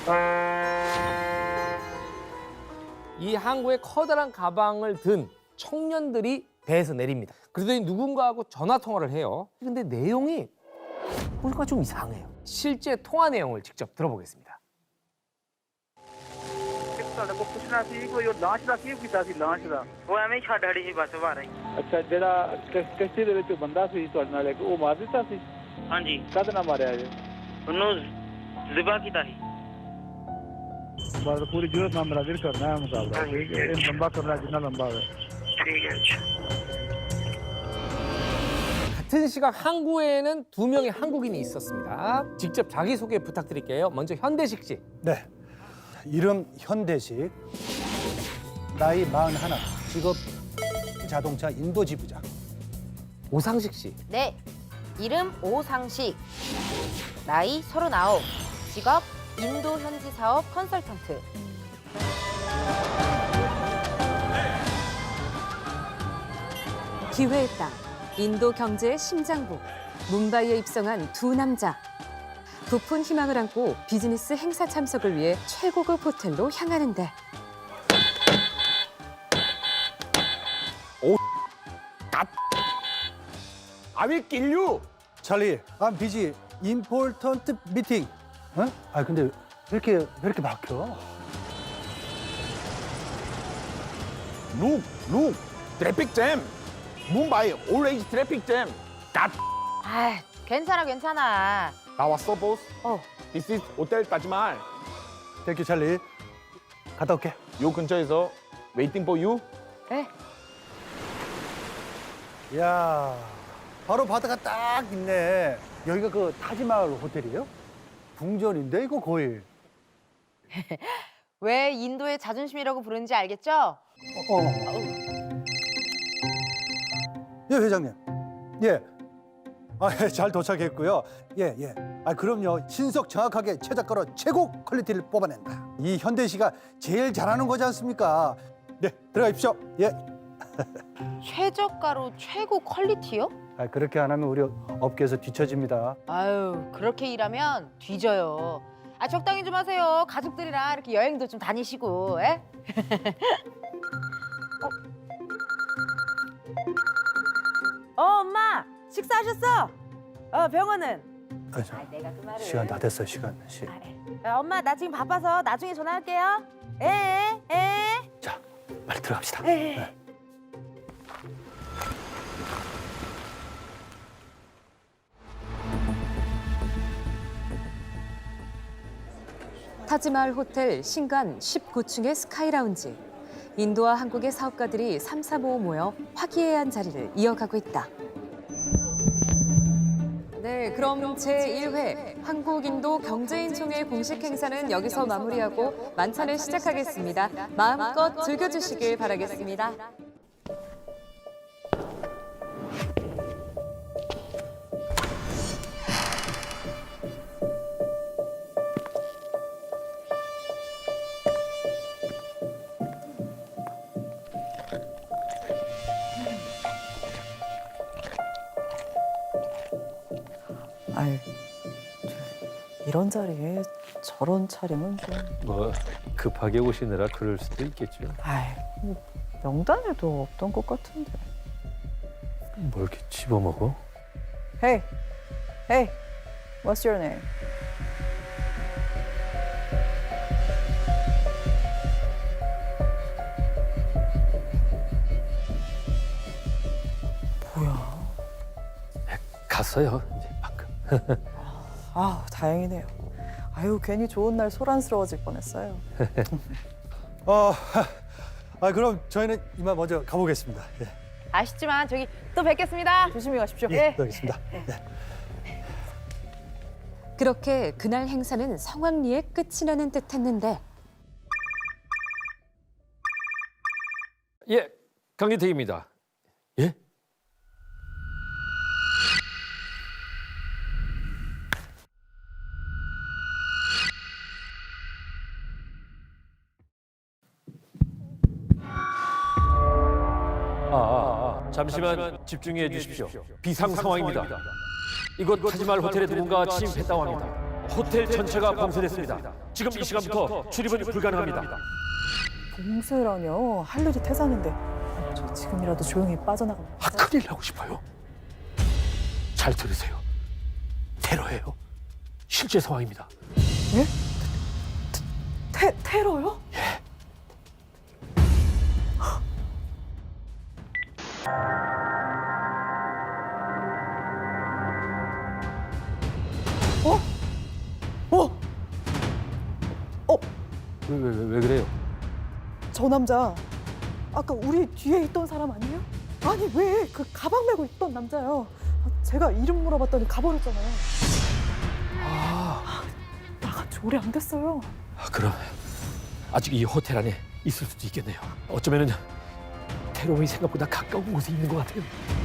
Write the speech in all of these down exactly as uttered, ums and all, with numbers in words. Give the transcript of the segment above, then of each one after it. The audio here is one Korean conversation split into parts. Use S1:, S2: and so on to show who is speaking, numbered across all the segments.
S1: 이 항구에 커다란 가방을 든 청년들이 배에서 내립니다. 그러더니 누군가하고 전화 통화를 해요. 근데 내용이 뭔가 좀 이상해요. 실제 통화 내용을 직접 들어보겠습니다.
S2: ਤੁਹਾਡੇ ਕੋਲ ਪੁੱਛਣਾ ਸੀ ਕੋਈ ਉਹ ਲਾਂਚ ਦਾ ਕੀ ਕੀਤਾ ਸੀ ਲਾਂਚ ਦਾ
S3: ਉਹ ਐਵੇਂ ਹੀ ਛੱਡ ਹੜੀ ਸੀ ਬੱਸ ਬਾਹਰ ਹੀ।
S2: ਅੱਛਾ ਜਿਹੜਾ ਕਿਸ਼ਤੀ ਦੇ ਵਿੱਚ ਬੰਦਾ ਸੀ ਤੁਹਾਡੇ ਨਾਲ ਇੱਕ ਉਹ ਮਾਰ ਦਿੱਤਾ ਸੀ
S3: ਹਾਂਜੀ
S2: ਕਦ ਨਾ ਮਾਰਿਆ ਜੇ
S3: ਉਹਨੂੰ ਜ਼ਿਬਾ ਕੀਤਾ ਸੀ।
S2: ਬਸ ਪੂਰੀ ਜੁਰਤ ਨਾਲ ਮੇਰਾ ਵੀਰ ਕਰਨਾ ਹੈ ਮੁਕਾਬਲਾ ਠੀਕ ਹੈ ਇਹ ਲੰਬਾ ਕਰਨਾ ਜਿੰਨਾ ਲੰਬਾ ਹੋਵੇ
S3: ਠੀਕ ਹੈ ਅੱਛਾ।
S1: 같은 시각 항구에는 두 명의 한국인이 있었습니다. 직접 자기소개 부탁드릴게요. 먼저 현대식 씨.
S4: 네. 이름 현대식, 나이 마흔하나, 직업 자동차 인도 지부장.
S1: 오상식 씨.
S5: 네, 이름 오상식, 나이 서른아홉, 직업 인도 현지 사업 컨설턴트.
S6: 기회의 땅, 인도 경제의 심장부, 뭄바이에 입성한 두 남자. 부푼 희망을 안고 비즈니스 행사 참석을 위해 최고급 호텔로 향하는데
S4: I will kill you. 찰리, I'm busy. Important meeting. 어? 아 근데 왜 이렇게 왜 이렇게 막혀?
S7: Look, look, traffic jam. Mumbai always traffic jam. 갓.
S5: 아, 괜찮아, 괜찮아.
S7: 나왔어, 보스?
S5: 어.
S7: This is 호텔 따지말.
S4: 땡큐 찰리. 갔다 올게.
S7: 요 근처에서 waiting for you.
S5: 네.
S4: 야, 바로 바다가 딱 있네. 여기가 그 타지마을 호텔이에요? 궁전인데 이거 거의.
S5: 왜 인도의 자존심이라고 부르는지 알겠죠?
S4: 어. 예, 회장님. 예. 아, 예, 잘 도착했고요. 예, 예. 아, 그럼요. 신속 정확하게 최저가로 최고 퀄리티를 뽑아낸다. 이 현대시가 제일 잘하는 거지 않습니까? 네, 들어가십시오. 예.
S5: 최저가로 최고 퀄리티요?
S4: 아, 그렇게 안 하면 우리 업계에서 뒤처집니다.
S5: 아유, 그렇게 일하면 뒤져요. 아, 적당히 좀 하세요. 가족들이랑 이렇게 여행도 좀 다니시고, 에? 어? 어, 엄마! 식사하셨어? 어, 병원은?
S4: 아, 저,
S5: 아, 내가 그 말을...
S4: 시간 다 됐어요, 시간. 시.
S5: 아, 아, 엄마, 나 지금 바빠서 나중에 전화할게요. 에, 에, 에.
S4: 자, 빨리 들어갑시다.
S5: 에.
S4: 네.
S6: 타지마을 호텔 신간 십구 층의 스카이라운지. 인도와 한국의 사업가들이 삼삼오오 모여 화기애애한 자리를 이어가고 있다. 네, 그럼 제일 회 한국인도 경제인총회 공식 행사는 여기서 마무리하고 만찬을 시작하겠습니다. 마음껏 즐겨주시길 바라겠습니다.
S8: 아이, 이런 자리에 저런 차림은 좀...
S9: 뭐 급하게 오시느라 그럴 수도 있겠죠.
S8: 아이, 뭐 명단에도 없던 것 같은데.
S9: 뭘 이렇게 집어먹어?
S8: Hey, hey, what's your name? 뭐야?
S9: 갔어요, 이제 방금.
S8: 아, 다행이네요. 아유, 괜히 좋은 날 소란스러워질 뻔했어요.
S4: 어, 아, 그럼 저희는 이만 먼저 가보겠습니다. 예,
S5: 아쉽지만 저기 또 뵙겠습니다.
S8: 조심히 가십시오.
S4: 예, 알겠습니다. 예.
S6: 그렇게 그날 행사는 성황리에 끝이 나는 듯했는데
S1: 예, 강기택입니다. 예? 아, 잠시만 집중해 주십시오. 비상 상황입니다. 이곳 타지마을 호텔에 누군가 침입했다고 합니다.
S9: 호텔 전체가 봉쇄됐습니다. 지금 이 시간부터 출입은 불가능합니다.
S8: 봉쇄라뇨. 할 일이 태산인데. 저 지금이라도 조용히 빠져나가면.
S9: 아, 큰일 나고 싶어요. 잘 들으세요. 테러예요. 실제 상황입니다.
S8: 예? 테, 테러요?
S9: 예.
S8: 어? 어? 어?
S9: 왜, 왜, 왜, 왜 그래요?
S8: 저 남자 아까 우리 뒤에 있던 사람 아니에요? 아니 왜 그 가방 메고 있던 남자요. 아, 제가 이름 물어봤더니 가버렸잖아요.
S9: 아,
S8: 나간 지 오래 안 됐어요.
S9: 아, 그럼 아직 이 호텔 안에 있을 수도 있겠네요. 어쩌면은 테러범이 생각보다 가까운 곳에 있는 것 같아요.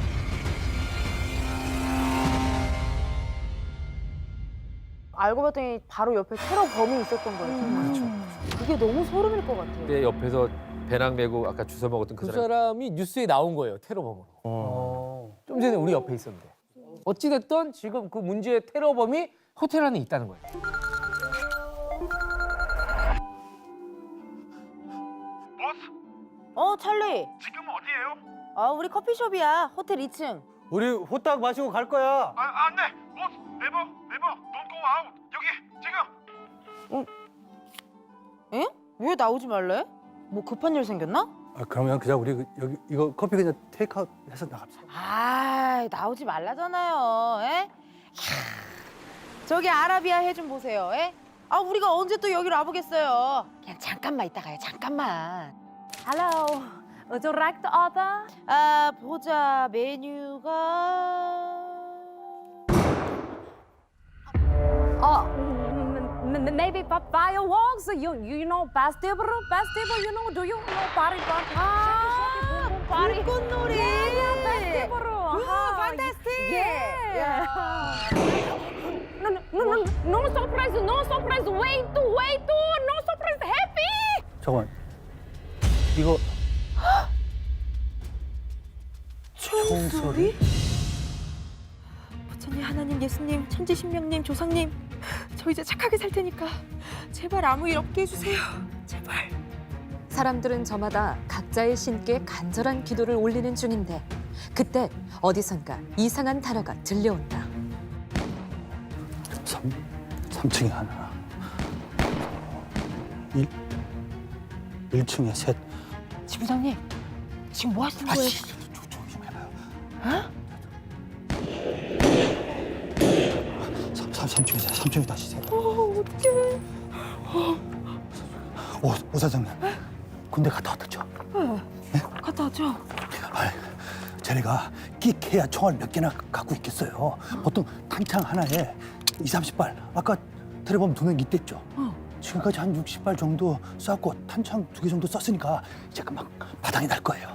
S5: 알고 봤더니 바로 옆에 테러 범이 있었던 거예요.
S8: 그렇죠.
S5: 이게 너무 소름일 것 같아요.
S9: 근데 옆에서 배낭 메고 아까 주워 먹었던 그
S1: 그
S9: 사람.
S1: 사람이 뉴스에 나온 거예요, 테러범으로. 좀 전에 우리 옆에 있었는데. 어찌됐든 지금 그 문제의 테러범이 호텔 안에 있다는 거예요.
S5: 어, 찰리. 지금 어디예요? 아, 우리 커피숍이야. 호텔 이 층.
S4: 우리 호딱 마시고 갈 거야.
S10: 아, 안 돼. 보스, 네버, 네버. Don't go out. 여기, 지금.
S5: 에? 왜 나오지 말래? 뭐 급한 일 생겼나?
S4: 아, 그러면 그냥 우리 그- 여기 이거 커피 그냥 테이크아웃 해서 나갑시다.
S5: 아, 나오지 말라잖아요. 에? 캬, 저기 아라비아 해 좀 보세요. 에? 아, 우리가 언제 또 여기로 와보겠어요. 그냥 잠깐만 있다 가요. 잠깐만.
S6: Hello. Would you like to order?
S5: 아, 보자. 메뉴가
S6: Oh, m- m- maybe fi- fireworks. You you know festival, festival. You know? Do you know party party?
S5: 아,
S6: party.
S5: 불꽃놀이.
S6: festival.
S5: 우, 판타스틱.
S6: Yeah. No, no, no, no, no surprise, no surprise. Wait, wait, no surprise. Happy.
S4: 잠깐만. 이거
S5: 총소리? 부처님, 하나님, 예수님, 천지신명님, 조상님, 저 이제 착하게 살 테니까 제발 아무 일 없게 해주세요. 제발.
S6: 사람들은 저마다 각자의 신께 간절한 기도를 올리는 중인데 그때 어디선가 이상한 단어가 들려온다.
S4: 삼, 삼 층에 하나. 일, 일 층에 셋.
S5: 지부장님, 지금 뭐 하시는
S4: 아,
S5: 거예요?
S4: 씨, 조- 조용히 좀 해봐요. 삼, 삼, 삼 층에 셋, 삼 층에 다시 셋.
S8: 어, 어떡해.
S4: 오, 오 사장님. 군대 갔다 왔죠?
S5: 갔다 왔죠?
S4: 아, 쟤네가 끽해야 총알 몇 개나 갖고 있겠어요. 보통 탄창 하나에 이삼십 발. 아까 테러범 두 명 있댔죠? 지금까지 한 육십 발 정도 쐈고 탄창 두 개 정도 썼으니까 이제 금방 바닥이 날 거예요.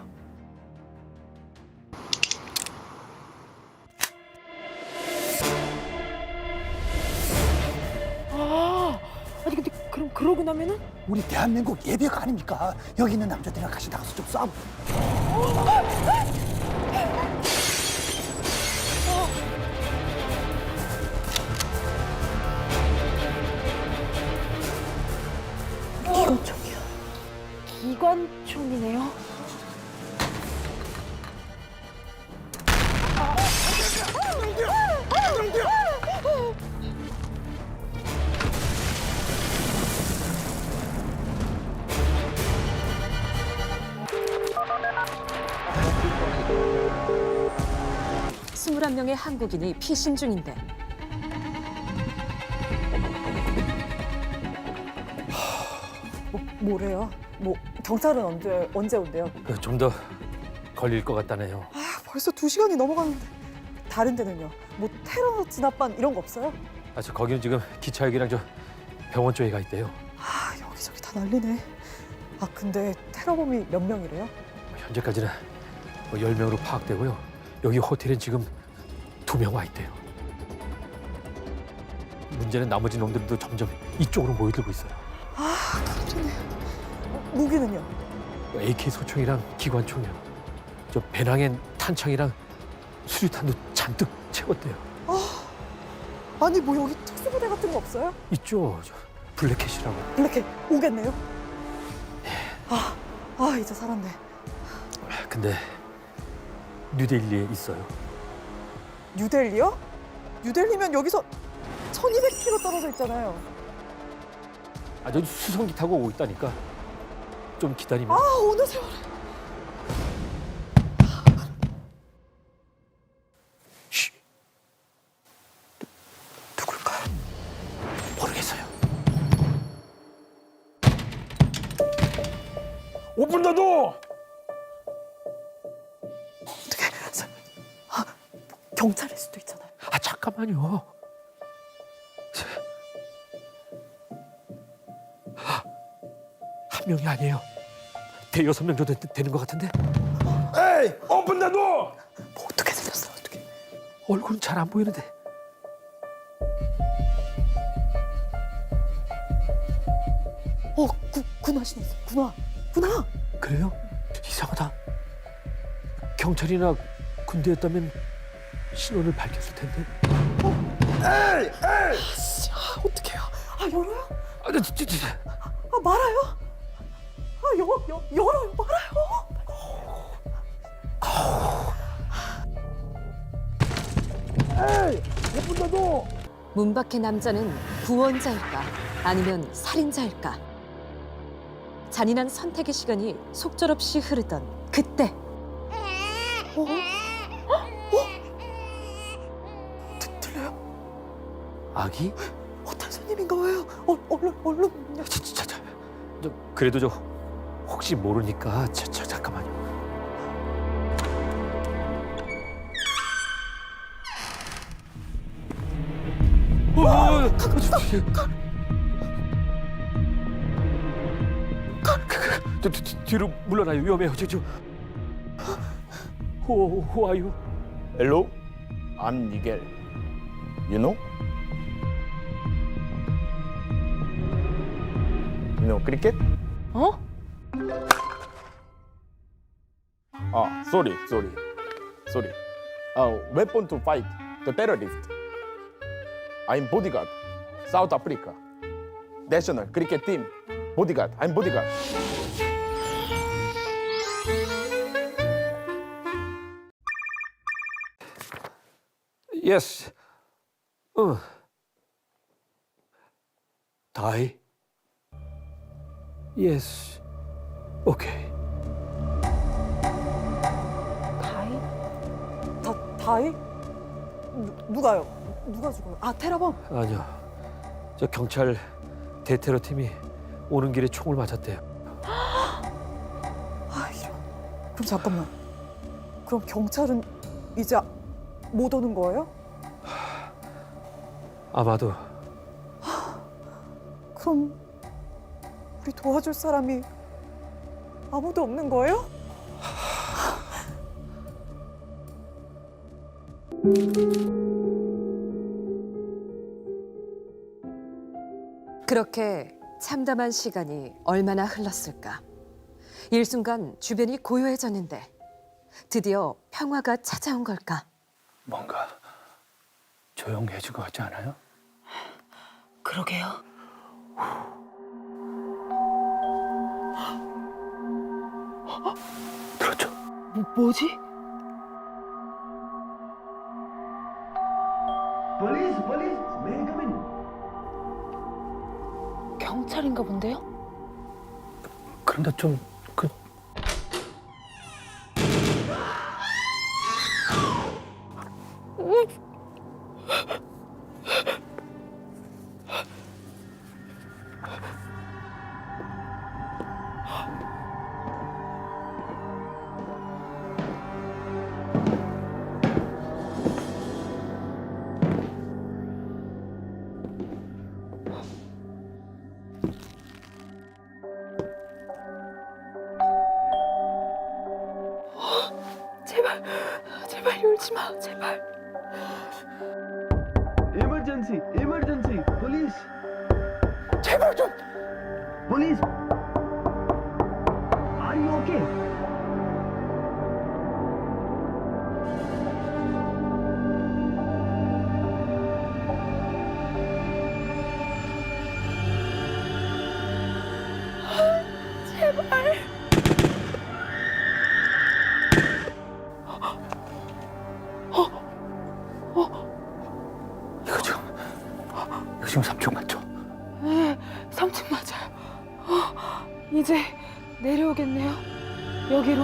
S5: 아, 아니 근데 그럼 그러고 나면은?
S4: 우리 대한민국 예배가 아닙니까? 여기 있는 남자들이랑 같이 나가서 좀 싸워.
S5: 기관총이요. 기관총이네요.
S6: 스물한 명의 한국인이 피신 중인데
S8: 뭐, 뭐래요? 뭐 경찰은 언제 언제 온대요?
S9: 좀 더 걸릴 것 같다네요.
S8: 아, 벌써 두 시간이 넘어가는데. 다른 데는요? 뭐 테러 진압반 이런 거 없어요?
S9: 아, 저 거기는 지금 기차역이랑 저 병원 쪽에 가 있대요.
S8: 아, 여기저기 다 난리네. 아, 근데 테러범이 몇 명이래요?
S9: 현재까지는 뭐 열 명으로 파악되고요. 여기 호텔엔 지금 두 명 와 있대요. 문제는 나머지 놈들도 점점 이쪽으로 모여들고 있어요.
S8: 아, 깜짝이야. 무기는요?
S9: 에이케이 소총이랑 기관총이요. 저 배낭엔 탄창이랑 수류탄도 잔뜩 채웠대요.
S8: 아니 뭐 여기 특수부대 같은 거 없어요?
S9: 있죠. 저 블랙캣이라고.
S8: 블랙캣 오겠네요. 아, 아 이제 살았네.
S9: 근데 뉴델리에 있어요.
S8: 뉴델리요? 뉴델리면 여기서 천이백 킬로미터 떨어져 있잖아요.
S9: 아, 저 수송기 타고 오고 있다니까. 좀 기다리면.
S8: 아 어느 세월에.
S9: 쉬. 누굴까요? 모르겠어요.
S7: 오픈 더 도어.
S8: 어떻게? 아 경찰일 수도 있잖아요.
S9: 아, 잠깐만요. 한 명이 아니에요. 대여섯 명 정도 되- 되는 것 같은데.
S7: 에이, 오픈 더 도어.
S8: 뭐 어떻게 생겼어? 어떻게?
S9: 얼굴은 잘 안 보이는데.
S8: 어 구, 군화 신었어. 군화. 군화.
S9: 그래요? 이상하다. 경찰이나 군대였다면 신원을 밝혔을 텐데.
S7: 에이, 에이.
S8: 씨, 아, 어떡해요? 아 열어요?
S9: 아, 저, 저, 저, 저.
S8: 아 말아요? 아 여, 여, 열어요 말아요.
S7: 에이, 오픈 더 도어.
S6: 문 밖의 남자는 구원자일까 아니면 살인자일까? 잔인한 선택의 시간이 속절없이 흐르던 그때
S8: 어? 어? 들- 들려요?
S9: 아기?
S8: 호텔 손님인가 봐요. 어, 얼른 얼른.
S9: 저, 저, 저, 저, 저, 그래도 저 혹시 모르니까 저, 저 잠깐만요. 어, 저, 저, 저, 저, 저, 저, 뒤로 물러나요. 위험해요. 저, 저. Who, who are you?
S7: Hello, I'm Miguel. You know? You know cricket?
S5: 어?
S7: Ah, sorry, sorry, sorry. Uh, weapon to fight the terrorist. I'm bodyguard, South Africa. National cricket team. Bodyguard. I'm bodyguard.
S9: Yes. 어. Die. Yes. Okay.
S8: 다이? 다 다이? 누, 누가요? 누가 죽어요? 아 테러범.
S9: 아니요. 저 경찰 대테러 팀이 오는 길에 총을 맞았대요.
S8: 아 이런. 그럼 잠깐만. 그럼 경찰은 이제 못 오는 거예요?
S9: 아마도.
S8: 그럼 우리 도와줄 사람이 아무도 없는 거예요?
S6: 그렇게 참담한 시간이 얼마나 흘렀을까? 일순간 주변이 고요해졌는데 드디어 평화가 찾아온 걸까?
S4: 뭔가 조용해진 것 같지 않아요?
S5: 그러게요.
S4: 들었죠?
S5: 뭐, 뭐지?
S10: Police, police, may I come in?
S5: 경찰인가 본데요?
S4: 그런데 좀 그.
S8: 제발 제발 울지 마 제발.
S10: Emergency, emergency, police,
S4: 제발 좀.
S10: police. Are you okay?
S4: 지금 삼 층 맞죠?
S8: 네, 삼 층 맞아요. 어, 이제 내려오겠네요. 여기로.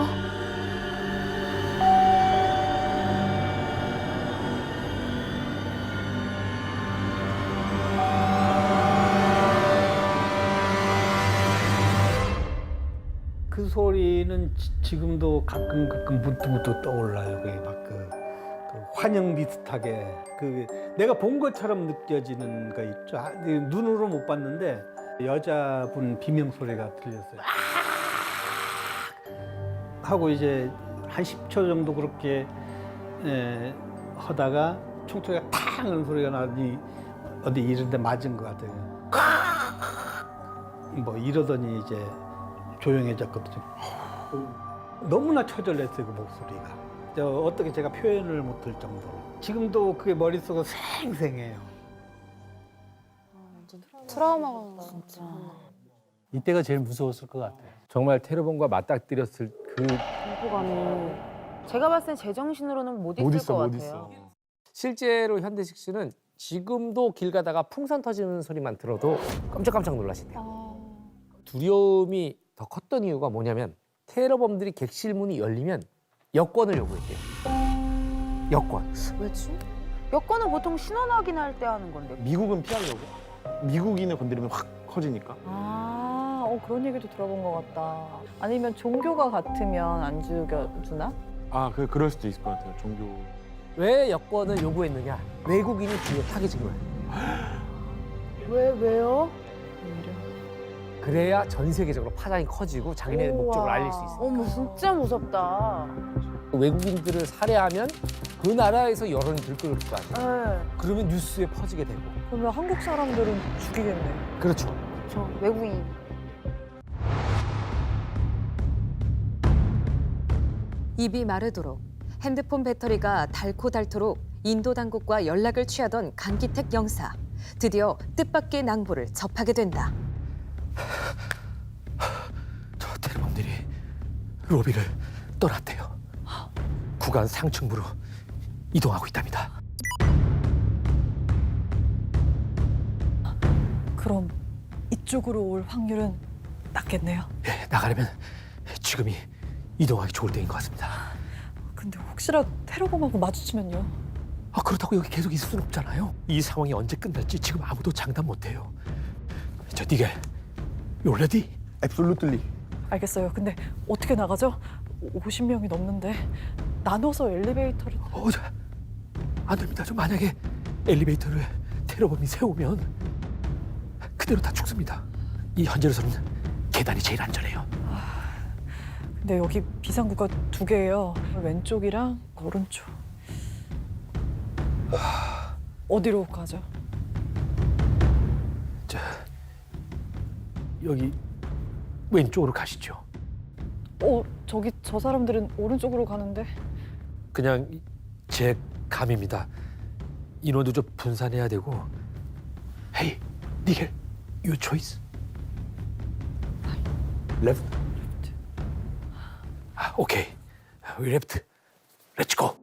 S11: 그 소리는 지, 지금도 가끔 가끔 문득문득 떠올라요. 그게 막그 그 환영 비슷하게 그 내가 본 것처럼 느껴지는 거 있죠. 아, 눈으로 못 봤는데 여자분 비명 소리가 들렸어요. 아! 하고 이제 한 십 초 정도 그렇게 에, 하다가 총소리가 탕 하는 소리가 나더니 어디 이런 데 맞은 것 같아요. 뭐 이러더니 이제 조용해졌거든요. 너무나 처절했어요, 그 목소리가. 저 어떻게 제가 표현을 못할 정도로. 지금도 그게 머릿속에 생생해요.
S5: 트라우마가 진짜.
S11: 이때가 제일 무서웠을 것 같아요.
S1: 정말 테러범과 맞닥뜨렸을 그
S5: 공포감이. 제가 봤을 땐 제정신으로는 못 있을 것 같아요.
S1: 실제로 현대식 씨는 지금도 길 가다가 풍선 터지는 소리만 들어도 깜짝깜짝 놀라신대요. 두려움이 더 컸던 이유가 뭐냐면 테러범들이 객실 문이 열리면 여권을 요구했대요. 여권.
S5: 왜지? 여권은 보통 신원 확인할 때 하는 건데.
S7: 미국은 피하려고. 미국인을 건드리면 확 커지니까.
S8: 아, 어, 그런 얘기도 들어본 것 같다. 아니면 종교가 같으면 안 죽여주나?
S7: 아, 그 그럴 수도 있을 것 같아요. 종교.
S1: 왜 여권을 요구했느냐? 외국인이 뒤에 타깃인 거예요.
S5: 왜 왜요?
S1: 그래야 전 세계적으로 파장이 커지고 자기네 목적을 알릴 수 있어요.
S5: 어머 진짜 무섭다.
S1: 외국인들을 살해하면 그 나라에서 여론이 들끓을 거 아니에요.
S5: 네.
S1: 그러면 뉴스에 퍼지게 되고.
S8: 그러면 한국 사람들은 죽이겠네.
S1: 그렇죠.
S5: 저 외국인.
S6: 입이 마르도록 핸드폰 배터리가 닳고 닳도록 인도 당국과 연락을 취하던 강기택 영사. 드디어 뜻밖의 낭보를 접하게 된다.
S9: 저 테러범들이 로비를 떠났대요. 구간 상층부로 이동하고 있답니다.
S8: 그럼 이쪽으로 올 확률은 낮겠네요.
S9: 예, 나가려면 지금이 이동하기 좋을 때인 것 같습니다.
S8: 근데 혹시라도 테러범하고 마주치면요?
S9: 아, 그렇다고 여기 계속 있을 순 없잖아요. 이 상황이 언제 끝날지 지금 아무도 장담 못해요. 저 니겔, you ready?
S7: Absolutely.
S8: 알겠어요. 근데 어떻게 나가죠? 오십 명이 넘는데 나눠서 엘리베이터를...
S9: 어, 저, 안 됩니다. 저 만약에 엘리베이터를 테러범이 세우면 그대로 다 죽습니다. 이 현재로서는 계단이 제일 안전해요.
S8: 근데 여기 비상구가 두 개예요. 왼쪽이랑 오른쪽. 어디로 가죠?
S9: 자, 여기 왼쪽으로 가시죠.
S8: 어, 저기 저 사람들은 오른쪽으로 가는데.
S9: 그냥 제 감입니다. 인원도 좀 분산해야 되고. 헤이, 니겔, your choice. Left. 아, 오케이. We left. Let's go.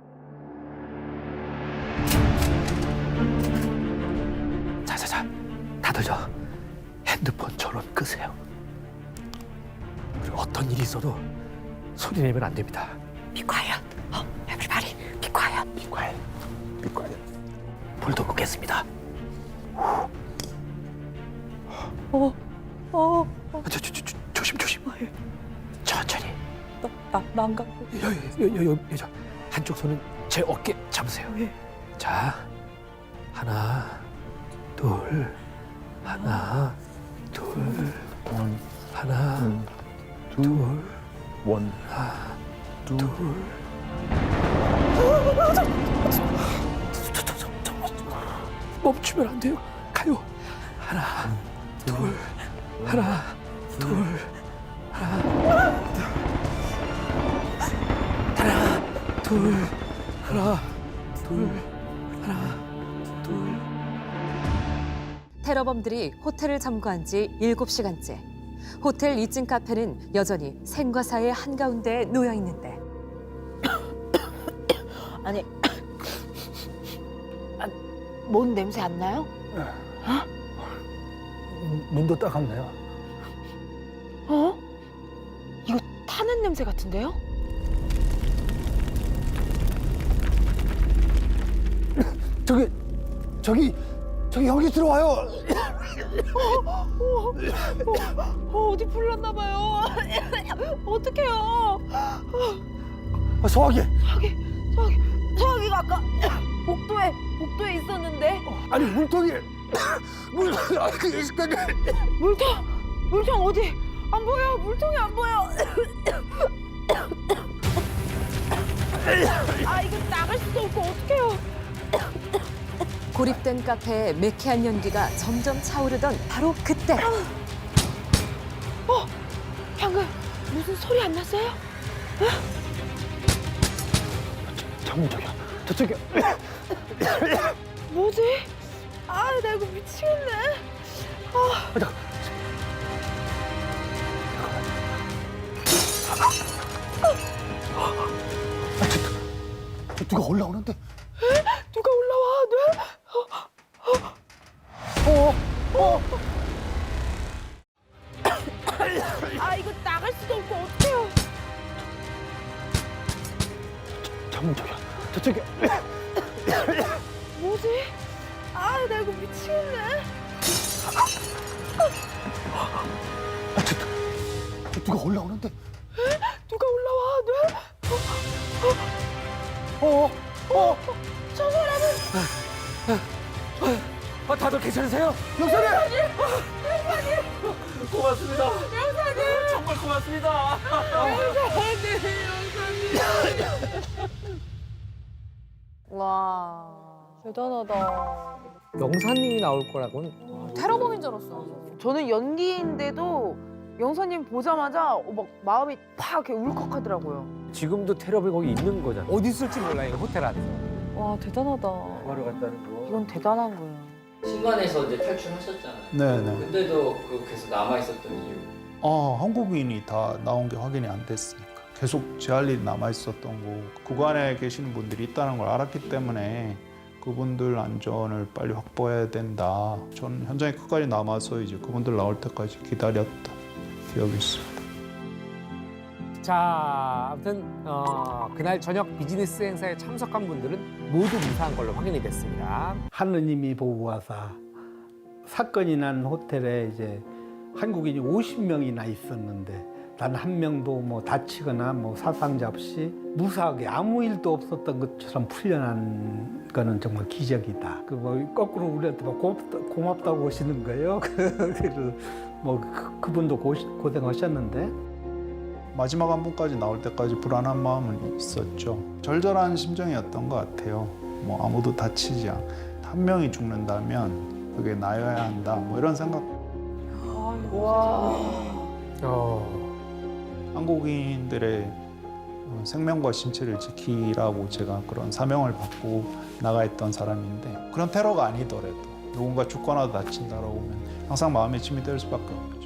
S9: 자자자, 다들 저 핸드폰 전원 끄세요. 그리고 어떤 일이 있어도 소리 내면 안 됩니다.
S8: Be quiet. 어, everybody, be quiet.
S9: Be quiet. Be quiet. 불도 끄겠습니다.
S8: 어, 어, 어.
S9: 저, 저, 저, 저, 조심 조심.
S8: 아, 예.
S9: 천천히.
S8: 나, 나, 난가.
S9: 여여여여 저 한쪽 손은 제 어깨 잡으세요.
S8: 예.
S9: 자, 하나, 둘, 하나, 둘,
S7: 원,
S9: 하나,
S7: 둘,
S9: 둘,
S7: 원,
S9: 하나,
S7: 둘.
S9: 둘. 저, 저, 저, 저, 저, 멈추면 안 돼요. 가요. 하나, 둘, 하나, 둘, 하나, 하나, 둘, 하나, 둘, 하나, 둘.
S6: 테러범들이 호텔을 점거한 지 일곱 시간째. 호텔 이 층 카페는 여전히 생과 사의 한가운데에 놓여 있는데.
S5: 아니, 아, 뭔 냄새 안 나요?
S11: 눈도 따갑네요.
S5: 어? 이거 타는 냄새 같은데요?
S4: 저기 저기 저기 혈기 들어와요.
S5: 어, 어디 불났나 봐요. 어떡해요?
S4: 아, 소화기.
S5: 저기 저기 저기가 아까 복도에 복도에 있었는데
S4: 아니 물통이 물 아, 그, 그,
S5: 물통 물통 어디 안 보여 물통이 안 보여. 아 이거 나갈 수도 없고 어떡해요?
S6: 고립된 카페에 매캐한 연기가 점점 차오르던 바로 그때
S5: 어 방금 무슨 소리 안 났어요?
S4: 잠깐 저기요. 저쪽이요.
S5: 뭐지? 아 나 이거 미치겠네. 아.
S4: 잠깐. 아, 저, 저 누가 올라오는데?
S5: 누가 올라와? 네?
S4: 어, 어.
S5: 아 이거 나갈 수도 없고 어떡해요?
S4: 잠깐 저기요. 저쪽이요.
S5: 뭐지? 아 나 이거 미치겠네.
S4: 아, 저, 저 누가 올라오는데?
S5: 누가 올라와? 네?
S4: 어, 어.
S5: 저 사람은
S9: 아, 다들 괜찮으세요?
S4: 영사님.
S9: 고맙습니다. 영사님 정말 고맙습니다.
S8: 와 대단하다.
S1: 영사님이 나올 거라고는
S8: 테러범인 줄 알았어.
S5: 저는 연기인데도 영사님 보자마자 막 마음이 팍 이렇게 울컥하더라고요.
S1: 지금도 테러비 거기 있는 거잖아. 어디 있을지 몰라요, 호텔 안에서.
S8: 와 대단하다.
S11: 바로 갔다는 거.
S5: 이건 대단한 거예요.
S12: 신관에서 이제 탈출하셨잖아요.
S13: 네네.
S12: 근데도 그 계속 남아 있었던 이유.
S13: 아, 한국인이 다 나온 게 확인이 안 됐으니까 계속 제 할 일이 남아 있었던 거. 구간에 계시는 분들이 있다는 걸 알았기 때문에 그분들 안전을 빨리 확보해야 된다. 저는 현장에 끝까지 남아서 이제 그분들 나올 때까지 기다렸던 기억이 있습니다.
S1: 자, 아무튼 어, 그날 저녁 비즈니스 행사에 참석한 분들은 모두 무사한 걸로 확인이 됐습니다.
S11: 하느님이 보고 와서 사건이 난 호텔에 이제 한국인이 오십 명이나 있었는데 단 한 명도 뭐 다치거나 뭐 사상자 없이 무사하게 아무 일도 없었던 것처럼 풀려난 거는 정말 기적이다. 그 뭐 거꾸로 우리한테 막 고맙다, 고맙다고 하시는 거예요. 그래서 뭐 그, 그분도 고, 고생하셨는데.
S13: 마지막 한 분까지 나올 때까지 불안한 마음은 있었죠. 절절한 심정이었던 것 같아요. 뭐 아무도 다치지 않, 한 명이 죽는다면 그게 나여야 한다. 뭐 이런 생각.
S5: 와.
S1: 어.
S13: 한국인들의 생명과 신체를 지키라고 제가 그런 사명을 받고 나가 있던 사람인데 그런 테러가 아니더라도 누군가 죽거나 다친다라고 하면 항상 마음에 짐이 될 수밖에 없죠.